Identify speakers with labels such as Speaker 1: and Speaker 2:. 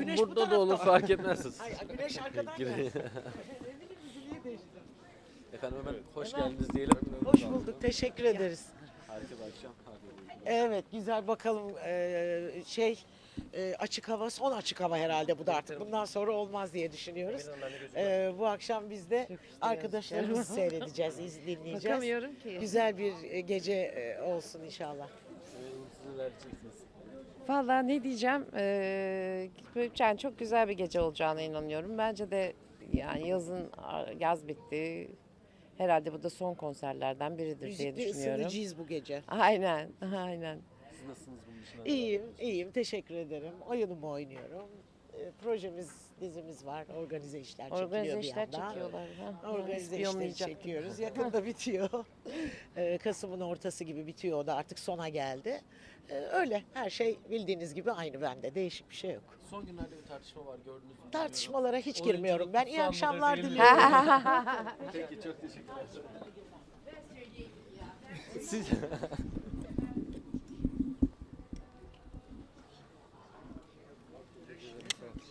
Speaker 1: güneş bu
Speaker 2: Burada da olur
Speaker 1: tarafta.
Speaker 2: fark etmez.
Speaker 1: Hayır, güneş arkadan
Speaker 2: Girin.
Speaker 1: gelsin. Düzülüğü değiştirdim.
Speaker 2: Efendim hemen hoş
Speaker 1: Hemen.
Speaker 2: geldiniz diyelim.
Speaker 1: Hoş bulduk, teşekkür ederiz.
Speaker 2: Harika bir akşam.
Speaker 1: Evet, güzel bakalım. Açık hava, son açık hava herhalde bu da artık. Bundan sonra olmaz diye düşünüyoruz. Bu akşam biz de arkadaşlarımızı seyredeceğiz, dinleyeceğiz.
Speaker 3: Bakamıyorum ki.
Speaker 1: Güzel bir gece olsun inşallah.
Speaker 2: Siz neler diyeceksiniz?
Speaker 3: Vallahi ne diyeceğim? Yani çok güzel bir gece olacağına inanıyorum. Bence de yani yaz bitti. Herhalde bu da son konserlerden biridir diye
Speaker 1: Müzikle
Speaker 3: düşünüyorum.
Speaker 1: ısınacağız bu gece.
Speaker 3: Aynen, aynen.
Speaker 2: Siz nasılsınız bunun dışında?
Speaker 1: İyiyim, teşekkür ederim. Oyunumu oynuyorum. Dizimiz var, organize işler çekiliyor
Speaker 3: Organize
Speaker 1: bir
Speaker 3: işler
Speaker 1: yandan.
Speaker 3: çekiyorlar.
Speaker 1: Organize işleri
Speaker 3: İspiyonlayacak.
Speaker 1: çekiyoruz. Yakında bitiyor. Kasım'ın ortası gibi bitiyor. O da artık sona geldi. Öyle. Her şey bildiğiniz gibi aynı bende. Değişik bir şey yok.
Speaker 2: Son günlerde bir tartışma var gördünüz mü?
Speaker 1: Tartışmalara hiç
Speaker 2: Oyunculuk
Speaker 1: girmiyorum. Ben iyi
Speaker 2: kutsal mıdır,
Speaker 1: akşamlar
Speaker 2: değil mi?
Speaker 1: diliyorum.
Speaker 2: Peki çok teşekkürler. Siz